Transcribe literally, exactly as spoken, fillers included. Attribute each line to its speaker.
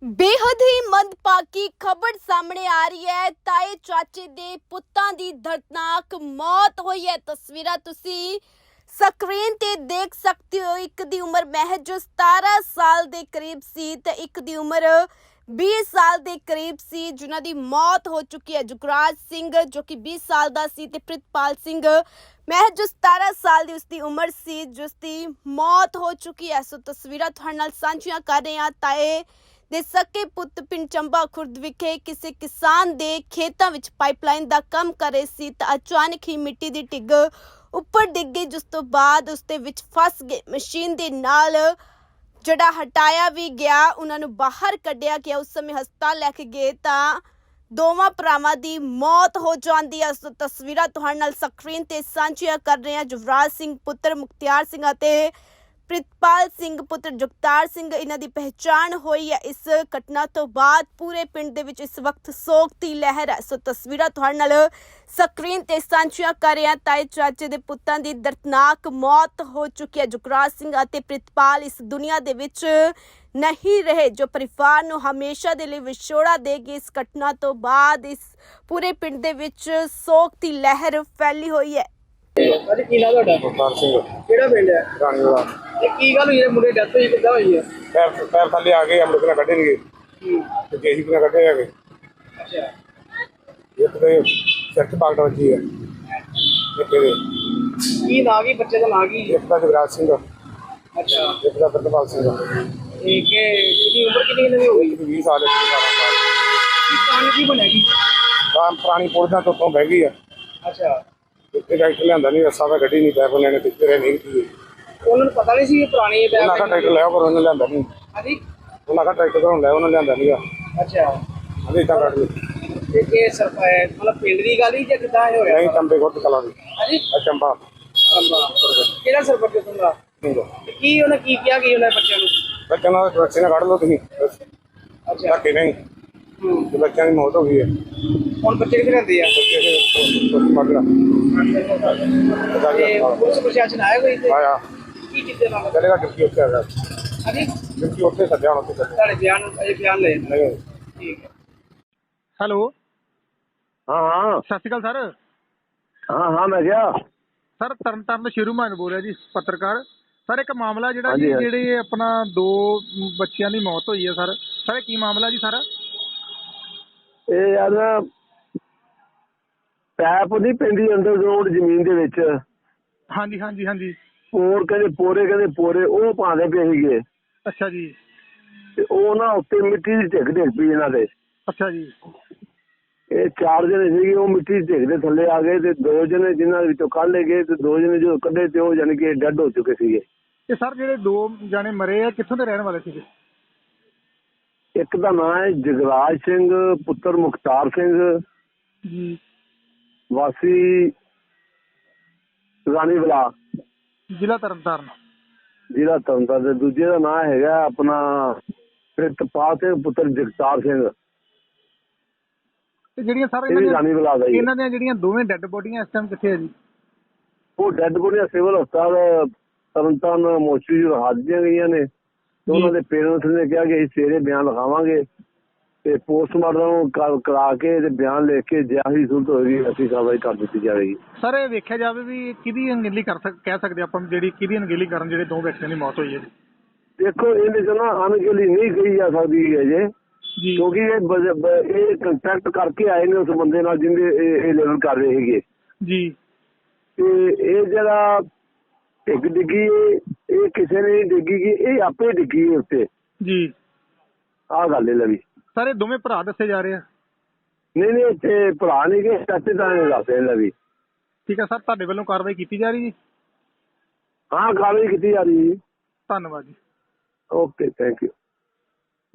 Speaker 1: बेहद ही मंदभागी खबर सामने आ रही है। ताए चाचे दे पुत्तां दी दर्दनाक मौत हुई है। तस्वीरां तुसी स्क्रीन ते देख सकते हो। एक दी उम्र महज सतारह साल दे करीब सी ते एक दी उम्र बीस साल दे करीब सी, जिन्हां दी मौत हो चुकी है। जुगराज सिंह जो कि बीस साल दा सी ते प्रितपाल सिंह महज सतारह साल दी उसकी उम्र सी, जिसकी मौत हो चुकी है। सो तस्वीरां तुहाडे नाल सांझियां कर रहे हां। ताए ਦੇ ਸਕੇ ਪੁੱਤ ਪਿੰਡ ਚੰਬਾ ਖੁਰਦ ਵਿਖੇ ਕਿਸੇ ਕਿਸਾਨ ਦੇ ਖੇਤਾਂ ਵਿੱਚ ਪਾਈਪਲਾਈਨ ਦਾ ਕੰਮ ਕਰ ਰਹੇ ਸੀ ਤਾਂ ਅਚਾਨਕ ਹੀ ਮਿੱਟੀ ਦੀ ਢਿੱਗ ਉੱਪਰ ਡਿੱਗ ਗਈ, ਜਿਸ ਤੋਂ ਬਾਅਦ ਉਸ ਦੇ ਵਿੱਚ ਫਸ ਗਏ। ਮਸ਼ੀਨ ਦੇ ਨਾਲ ਜਿਹੜਾ ਹਟਾਇਆ ਵੀ ਗਿਆ, ਉਹਨਾਂ ਨੂੰ ਬਾਹਰ ਕੱਢਿਆ ਗਿਆ। ਉਸ ਸਮੇਂ ਹਸਪਤਾਲ ਲੈ ਕੇ ਗਏ ਤਾਂ ਦੋਵਾਂ ਭਰਾਵਾਂ ਦੀ ਮੌਤ ਹੋ ਜਾਂਦੀ ਹੈ। ਸੋ ਤਸਵੀਰਾਂ ਤੁਹਾਡੇ ਨਾਲ ਸਕਰੀਨ ਤੇ ਸਾਂਝੀਆਂ ਕਰ ਰਹੇ ਹਾਂ। ਜੁਵਰਾਜ ਸਿੰਘ ਪੁੱਤਰ ਮੁਖਤਿਆਰ ਸਿੰਘ ਅਤੇ ਪ੍ਰਿਤਪਾਲ ਸਿੰਘ ਪੁੱਤਰ ਜਗਤਾਰ ਸਿੰਘ, ਇਹਨਾਂ ਦੀ ਪਹਿਚਾਣ ਹੋਈ ਹੈ। ਇਸ ਘਟਨਾ ਤੋਂ ਬਾਅਦ ਪੂਰੇ ਪਿੰਡ ਦੇ ਵਿੱਚ ਇਸ ਵਕਤ ਸੋਗ ਦੀ ਲਹਿਰ ਹੈ। ਸੋ ਤਸਵੀਰਾਂ ਤੁਹਾਡੇ ਨਾਲ ਸਕਰੀਨ ਤੇ ਸਾਂਝੀਆਂ ਕਰ ਰਹੇ ਹਾਂ। ਤਾਏ ਚਾਚੇ ਦੇ ਪੁੱਤਾਂ ਦੀ ਦਰਦਨਾਕ ਮੌਤ ਹੋ ਚੁੱਕੀ ਹੈ। ਜੁਗਰਾਜ ਸਿੰਘ ਅਤੇ ਪ੍ਰਿਤਪਾਲ ਇਸ ਦੁਨੀਆ ਦੇ ਵਿੱਚ ਨਹੀਂ ਰਹੇ, ਜੋ ਪਰਿਵਾਰ ਨੂੰ ਹਮੇਸ਼ਾ ਦੇ ਲਈ ਵਿਛੋੜਾ ਦੇਗੀ। ਇਸ ਘਟਨਾ ਤੋਂ ਬਾਅਦ ਇਸ ਪੂਰੇ ਪਿੰਡ ਦੇ ਵਿੱਚ ਸੋਗ ਦੀ ਲਹਿਰ ਫੈਲੀ ਹੋਈ ਹੈ।
Speaker 2: ਅੱਜ ਕੀ ਨਾਮ ਤੁਹਾਡਾ?
Speaker 3: ਮੁਖਤਾਰ ਸਿੰਘ
Speaker 2: ਕਿਹੜਾ ਪਿੰਡ ਹੈ?
Speaker 3: ਰਾਣੀ ਵਾਲਾ।
Speaker 2: ਤੇ ਕੀ ਗੱਲ ਹੋਈ ਹੈ? ਮੁੰਡੇ ਡੈਥ ਹੋਈ ਕਿੱਦਾਂ ਹੋਈ ਹੈ?
Speaker 3: ਪੈਰ ਪੈਰ ਥੱਲੇ ਆ ਗਏ, ਅਮਰਤ ਨਾਲ ਕੱਢੇ ਨਹੀਂ ਗਏ ਤੇ ਜੇਸੀ ਨਾਲ ਕੱਢੇ ਆ ਗਏ।
Speaker 2: ਅੱਛਾ,
Speaker 3: ਇੱਕ ਤੇ ਸਿਰ 'ਚ ਪਾਗਟ ਵੱਜੀ ਹੈ, ਇੱਕ ਇਹਦੇ
Speaker 2: ਕੀ ਨਾਂ ਕੀ ਬੱਚੇ ਦਾ ਨਾਂ ਕੀ?
Speaker 3: ਇੱਕ ਦਾ ਜਗਰਾਜ ਸਿੰਘ,
Speaker 2: ਅੱਛਾ,
Speaker 3: ਇੱਕ ਦਾ ਪ੍ਰਿਤਪਾਲ ਸਿੰਘ।
Speaker 2: ਇਹ ਕਿ ਕਿੰਨੀ ਉਮਰ ਕਿੰਨੀ ਇਹਨਾਂ ਦੀ ਹੋ ਗਈ?
Speaker 3: ਇੱਕ ਵੀਹ ਸਾਲ, ਇੱਕ ਅਠਾਰਾਂ ਸਾਲ।
Speaker 2: ਕੀ ਕਾਰਨ ਕੀ ਬਣਿਆ ਕੀ?
Speaker 3: ਤਾਂ ਪੁਰਾਣੀ ਪੁਰਜਾਂ ਤੋਂ ਤੋਂ ਬਹਿ ਗਈ ਆ।
Speaker 2: ਅੱਛਾ,
Speaker 3: ਇੱਥੇ ਡਾਕਟਰ ਲਿਆਂਦਾ ਨਹੀਂ, ਰਸਾ ਤਾਂ ਗੱਡੀ ਨਹੀਂ ਪੈ ਕੋਨੇ ਨੇ ਟਿੱਕੇ ਰਹੇ ਨਹੀਂ ਕੀ।
Speaker 2: ਉਹਨਾਂ ਨੂੰ ਪਤਾ ਨਹੀਂ ਸੀ ਇਹ ਪੁਰਾਣੀ ਹੈ
Speaker 3: ਉਹਨਾਂ ਦਾ ਟਰੈਕਟਰ ਲਿਆ ਪਰ ਉਹਨੇ ਲਿਆਂਦਾ ਨਹੀਂ।
Speaker 2: ਹਾਂਜੀ,
Speaker 3: ਉਹਨਾਂ ਦਾ ਟਰੈਕਟਰ ਤੋਂ ਲਿਆ, ਉਹਨੇ ਲਿਆਂਦਾ ਨਹੀਂਗਾ।
Speaker 2: ਅੱਛਾ,
Speaker 3: ਅਜੇ ਤਾਂ ਕੱਢ ਲਈ
Speaker 2: ਤੇ ਕਿ ਸਰਪੰਚ ਮਤਲਬ ਪਿੰਡ ਦੀ ਗੱਲ ਹੀ ਜਾਂ ਕਿੱਦਾਂ ਇਹ ਹੋਇਆ?
Speaker 3: ਨਹੀਂ, ਚੰਬੇ ਕੋਟ ਕਲਾ ਦੀ
Speaker 2: ਹਾਂਜੀ,
Speaker 3: ਆ ਚੰਬਾ
Speaker 2: ਕਿਹੜਾ ਸਰਪੰਚ ਹੁੰਦਾ?
Speaker 3: ਨਹੀਂ
Speaker 2: ਤੇ ਕੀ ਉਹਨੇ ਕੀ ਕਿਹਾ ਕੀ ਉਹਨਾਂ ਬੱਚਿਆਂ ਨੂੰ?
Speaker 3: ਬੱਚਿਆਂ ਨਾਲ ਬੱਚੇ ਨਾਲ ਕੱਢ ਲਓ ਤੁਸੀਂ।
Speaker 2: ਅੱਛਾ,
Speaker 3: ਧੱਕੇ ਨਹੀਂ,
Speaker 2: ਹੂੰ,
Speaker 3: ਤੇ ਬੱਚਿਆਂ ਦੀ ਮੌਤ ਹੋ ਗਈ ਹੈ।
Speaker 2: ਹੁਣ ਬੱਚੇ ਕਿੱਥੇ ਰਹਿੰਦੇ ਆ? ਤੇ ਪੁਲਿਸ ਪ੍ਰਸ਼ਾਸਨ ਆਇਆ ਕੋਈ ਇੱਥੇ?
Speaker 3: ਆਇਆ
Speaker 2: ਕੀ ਕਿਤੇ ਨਾਲ?
Speaker 3: ਚਲੇਗਾ ਡਿਊਟੀ ਉੱਥੇ ਆ ਗਿਆ,
Speaker 2: ਹਾਂਜੀ,
Speaker 3: ਡਿਊਟੀ ਉੱਥੇ ਸੱਜਿਆ ਹੁਣ ਉੱਥੇ ਚੱਲੇ
Speaker 2: ਤੁਹਾਡੇ ਬਿਆਨ ਅਜੇ ਬਿਆਨ ਲੈ
Speaker 3: ਨਹੀਂ।
Speaker 2: ਠੀਕ ਹੈ।
Speaker 4: ਹੈਲੋ,
Speaker 5: हाँ हाँ
Speaker 4: ਸਤਿ ਸ਼੍ਰੀ ਅਕਾਲ ਸਰ।
Speaker 5: हाँ हाँ मैं क्या
Speaker 4: ਸਰ ਤਰਨ ਤਾਰਨ ਸ਼ੇਰੂ ਮਾਨ ਬੋਲ ਰਿਹਾ ਜੀ, ਪੱਤਰਕਾਰ। ਸਰ ਇੱਕ ਮਾਮਲਾ ਜਿਹੜਾ ਜੀ,
Speaker 5: ਹਾਂਜੀ, ਹਾਂਜੀ।
Speaker 4: ਜਿਹੜੇ ਆਪਣਾ ਦੋ ਬੱਚਿਆਂ ਦੀ ਮੌਤ ਹੋਈ ਹੈ ਸਰ, ਸਰ ਇਹ ਕੀ ਮਾਮਲਾ ਜੀ ਸਾਰਾ?
Speaker 5: ਇਹ ਯਾਰ ਨਾ ਪੈਪ ਨਹੀਂ ਪੈਂਦੀ ਅੰਡਰਗਰਾਉਂਡ ਜ਼ਮੀਨ ਦੇ ਵਿੱਚ,
Speaker 4: ਹਾਂਜੀ ਹਾਂਜੀ ਹਾਂਜੀ।
Speaker 5: ਪੋਰ ਕਹਿੰਦੇ ਪੋਰੇ ਕਹਿੰਦੇ ਪੋਰੇ ਉਹ ਪਾਉਂਦੇ ਪਏ ਸੀਗੇ
Speaker 4: ਅੱਛਾ ਜੀ,
Speaker 5: ਤੇ ਉਹ ਨਾ ਉੱਤੇ ਮਿੱਟੀ ਦੀ ਢਿੱਗ ਢਿੱਗ ਪਈ ਇਹਨਾਂ ਦੇ।
Speaker 4: ਅੱਛਾ ਜੀ।
Speaker 5: ਇਹ ਚਾਰ ਜਣੇ ਸੀਗੇ, ਉਹ ਮਿੱਟੀ ਦੀ ਢਿੱਗ ਦੇ ਥੱਲੇ ਆ ਗਏ ਤੇ ਦੋ ਜਣੇ ਜਿਨ੍ਹਾਂ ਵਿੱਚੋਂ ਕੱਢ ਲਏ ਗਏ ਤੇ ਦੋ ਜਣੇ ਜੋ ਕੱਢੇ ਤੇ ਉਹ ਜਾਣੀ ਕਿ ਡੈਡ ਹੋ ਚੁੱਕੇ ਸੀਗੇ।
Speaker 4: ਤੇ ਸਰ ਜਿਹੜੇ ਦੋ ਜਾਣੇ ਮਰੇ ਆ ਕਿੱਥੋਂ ਦੇ ਰਹਿਣ ਵਾਲੇ ਸੀਗੇ?
Speaker 5: ਇੱਕ ਦਾ ਨਾਂ ਹੈ ਜਗਰਾਜ ਸਿੰਘ ਪੁੱਤਰ ਮੁਖਤਾਰ ਸਿੰਘ,
Speaker 4: ਜੀ,
Speaker 5: ਵਾਸੀ ਰਾਣੀ ਵਾਲਾ,
Speaker 4: ਜ਼ਿਲ੍ਹਾ ਤਰਨ ਤਾਰਨ।
Speaker 5: ਜ਼ਿਲ੍ਹਾ ਤਰਨਤਾਰਨ। ਤੇ ਦੂਜੇ ਦਾ ਨਾਂ ਹੈਗਾ ਆਪਣਾ ਪ੍ਰਿਤਪਾਲ ਸਿੰਘ ਪੁੱਤਰ ਜਗਤਾਰ ਸਿੰਘ,
Speaker 4: ਤੇ ਜਿਹੜੀਆਂ ਸਰ
Speaker 5: ਇਹ ਵੀ ਰਾਣੀ ਵਾਲਾ ਦਾ ਹੀ ਹੈ।
Speaker 4: ਇਹਨਾਂ ਦੀਆਂ ਜਿਹੜੀਆਂ ਦੋਵੇਂ ਡੈੱਡ ਬੋਡੀਆਂ ਇਸ ਟਾਈਮ ਕਿੱਥੇ ਆ ਜੀ?
Speaker 5: ਉਹ ਡੈਡ ਬੋਡੀਆਂ ਸਿਵਲ ਹਸਪਤਾਲ ਤਰਨਤਾਰਨ ਮੋਚਰੀ ਹਾਜ ਦੀਆਂ ਗਈਆਂ ਨੇ ਤੇ ਉਹਨਾਂ ਦੇ ਪੇਰੈਂਟਸ ਨੇ ਕਿਹਾ ਕਿ ਅਸੀਂ ਸਵੇਰੇ ਬਿਆਨ ਲਿਖਾਵਾਂਗੇ ਤੇ ਪੋਸਟਮਾਰਟਮ ਕਰਾ ਕੇ ਤੇ ਬਿਆਨ ਲਿਖ ਕੇ ਜਿਆਹੀ ਸੂਰਤ ਹੋਏਗੀ ਅਸੀਂ ਕਾਰਵਾਈ ਕਰ ਦਿੱਤੀ ਜਾਵੇਗੀ।
Speaker 4: ਸਰ ਇਹ ਵੇਖਿਆ ਜਾਵੇ ਵੀ ਕਿਹਦੀ ਅਣਗਹਿਲੀ ਕਰ ਸਕ ਕਹਿ ਸਕਦੇ ਆਪਾਂ, ਜਿਹੜੀ ਕਿਹਦੀ ਅਣਗਹਿਲੀ ਕਾਰਨ ਜਿਹੜੇ ਦੋ ਵਿਅਕਤੀਆਂ ਦੀ ਮੌਤ ਹੋਈ ਹੈ ਜੀ?
Speaker 5: ਦੇਖੋ ਇਹਦੇ ਚ ਨਾ ਅਣਗਹਿਲੀ ਨਹੀਂ ਕਹੀ ਜਾ ਸਕਦੀ ਹੈ ਜੇ,
Speaker 4: ਜੀ,
Speaker 5: ਕਿਉਂਕਿ ਇਹ ਬ- ਬ- ਇਹ ਕੰਟੈਕਟ ਕਰਕੇ ਆਏ ਨੇ ਉਸ ਬੰਦੇ ਨਾਲ ਜਿਹਦੇ ਇਹ ਇਹ ਲੈਵਲ ਕਰ ਰਹੇ ਸੀਗੇ।
Speaker 4: ਜੀ,
Speaker 5: ਤੇ ਇਹ ਜਿਹੜਾ ਢਿੱਗ ਡਿੱਗੀ ਇਹ ਕਿਸੇ ਨੇ ਨਹੀਂ ਡਿੱਗੀ ਗੀ, ਇਹ ਆਪੇ ਡਿੱਗੀ ਉੱਤੇ।
Speaker 4: ਜੀ।
Speaker 5: ਆਹ ਗੱਲ ਹੈ ਲਵੀ।
Speaker 4: ਸਰ ਇਹ ਦੋਵੇਂ ਭਰਾ ਦੱਸੇ ਜਾ ਰਹੇ ਆ?
Speaker 5: ਨਹੀਂ ਨਹੀਂ ਇੱਥੇ ਭਰਾ ਨਹੀਂ ਗਏ, ਚਾਚੇ ਤਾਂ ਨੇ ਦੱਸੇ ਲਵੀ।
Speaker 4: ਠੀਕ ਹੈ ਸਰ, ਤੁਹਾਡੇ ਵੱਲੋਂ ਕਾਰਵਾਈ ਕੀਤੀ ਜਾ ਰਹੀ ਜੀ?
Speaker 5: ਹਾਂ ਕਾਰਵਾਈ ਕੀਤੀ ਜਾ ਰਹੀ ਜੀ।
Speaker 4: ਧੰਨਵਾਦ ਜੀ।
Speaker 5: Okay, thank you.